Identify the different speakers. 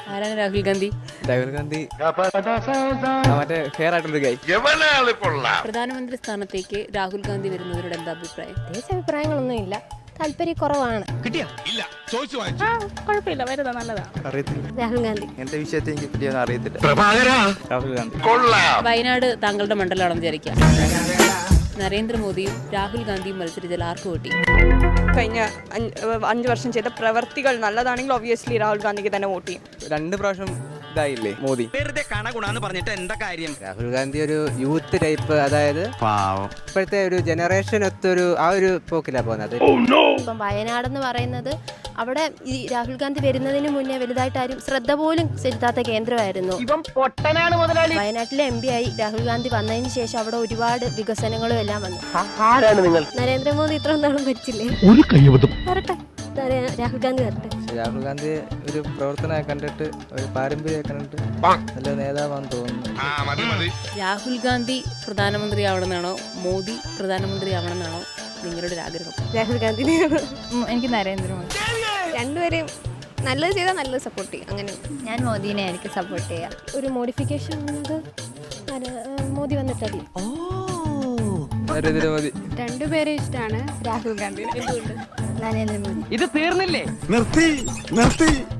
Speaker 1: ആരാണ് രാഹുൽ ഗാന്ധി?
Speaker 2: രാഹുൽ ഗാന്ധി മറ്റേ ഫെയർ ആയിട്ടുള്ളൊരു ഗൈ.
Speaker 1: പ്രധാനമന്ത്രി സ്ഥാനത്തേക്ക് രാഹുൽ ഗാന്ധി വരുന്നവരോട് എന്താ അഭിപ്രായം?
Speaker 3: പ്രത്യേകിച്ച് അഭിപ്രായങ്ങളൊന്നുമില്ല, താല്പര്യക്കുറവാണ്.
Speaker 1: കുഴപ്പമില്ല, വരുന്നത് നല്ലതാണ്.
Speaker 2: അറിയത്തില്ല
Speaker 3: രാഹുൽ ഗാന്ധി.
Speaker 2: എന്റെ വിഷയത്തെ എനിക്ക് പറ്റിയൊന്നും അറിയത്തില്ല. രാഹുൽ ഗാന്ധി.
Speaker 1: വയനാട് താങ്കളുടെ മണ്ഡലമാണെന്ന് വിചാരിക്കാം. നരേന്ദ്രമോദിയും രാഹുൽ ഗാന്ധിയും മത്സരിച്ചാൽ ആർക്ക് വോട്ടി?
Speaker 4: കഴിഞ്ഞ 5 വർഷം ചെയ്ത പ്രവർത്തികൾ നല്ലതാണെങ്കിൽ ഒബ്വിയസ്ലി രാഹുൽ ഗാന്ധിക്ക് തന്നെ വോട്ട് ചെയ്യും.
Speaker 2: 2 പ്രാവശ്യം ഇതായില്ലേ മോദി.
Speaker 5: പറഞ്ഞിട്ട് എന്താ കാര്യം?
Speaker 2: രാഹുൽ ഗാന്ധി ഒരു യൂത്ത് ടൈപ്പ്, അതായത് ഇപ്പോഴത്തെ ഒരു ജനറേഷൻ ഒത്തൊരു ആ ഒരു പോക്കിലാണ് പോകുന്നത്.
Speaker 3: ഇപ്പം വയനാടെന്ന് പറയുന്നത് അവിടെ ഈ രാഹുൽ ഗാന്ധി വരുന്നതിന് മുന്നേ വലുതായിട്ട് ആരും ശ്രദ്ധ പോലും ചെലുത്താത്ത കേന്ദ്രമായിരുന്നു. വയനാട്ടിലെ MP ആയി രാഹുൽ ഗാന്ധി വന്നതിന് ശേഷം അവിടെ ഒരുപാട് വികസനങ്ങളും എല്ലാം വന്നു. നരേന്ദ്രമോദി ഇത്ര നാളും ഭരിച്ചില്ലേ? വരട്ടെ, രാഹുൽ ഗാന്ധി വരട്ടെ.
Speaker 2: രാഹുൽ ഗാന്ധി ഒരു പ്രവർത്തനം കണ്ടിട്ട്, ഒരു പാരമ്പര്യം കണ്ടിട്ട് നല്ല നേതാവാന്ന് തോന്നുന്നു.
Speaker 1: രാഹുൽ ഗാന്ധി പ്രധാനമന്ത്രി ആവണമെന്നാണോ മോദി പ്രധാനമന്ത്രി ആവണമെന്നാണോ നിങ്ങളുടെ ഒരു ആഗ്രഹം?
Speaker 3: രാഹുൽ ഗാന്ധി.
Speaker 1: എനിക്ക് നരേന്ദ്രമോദി.
Speaker 3: രണ്ടുപേരെയും നല്ലത് ചെയ്താൽ നല്ലത് സപ്പോർട്ട് ചെയ്യും. അങ്ങനെ
Speaker 1: ഞാൻ മോദിനെ എനിക്ക് സപ്പോർട്ട് ചെയ്യാം.
Speaker 3: ഒരു മോഡിഫിക്കേഷൻ വന്നത് മോദി വന്നിട്ടല്ലേ?
Speaker 2: നരേന്ദ്രമോദി.
Speaker 3: രണ്ടുപേരെ ഇഷ്ടമാണ്. രാഹുൽ ഗാന്ധി. എന്തുകൊണ്ട്? നരേന്ദ്രമോദി.
Speaker 5: ഇത് തീർന്നില്ലേ?
Speaker 6: നിർത്തി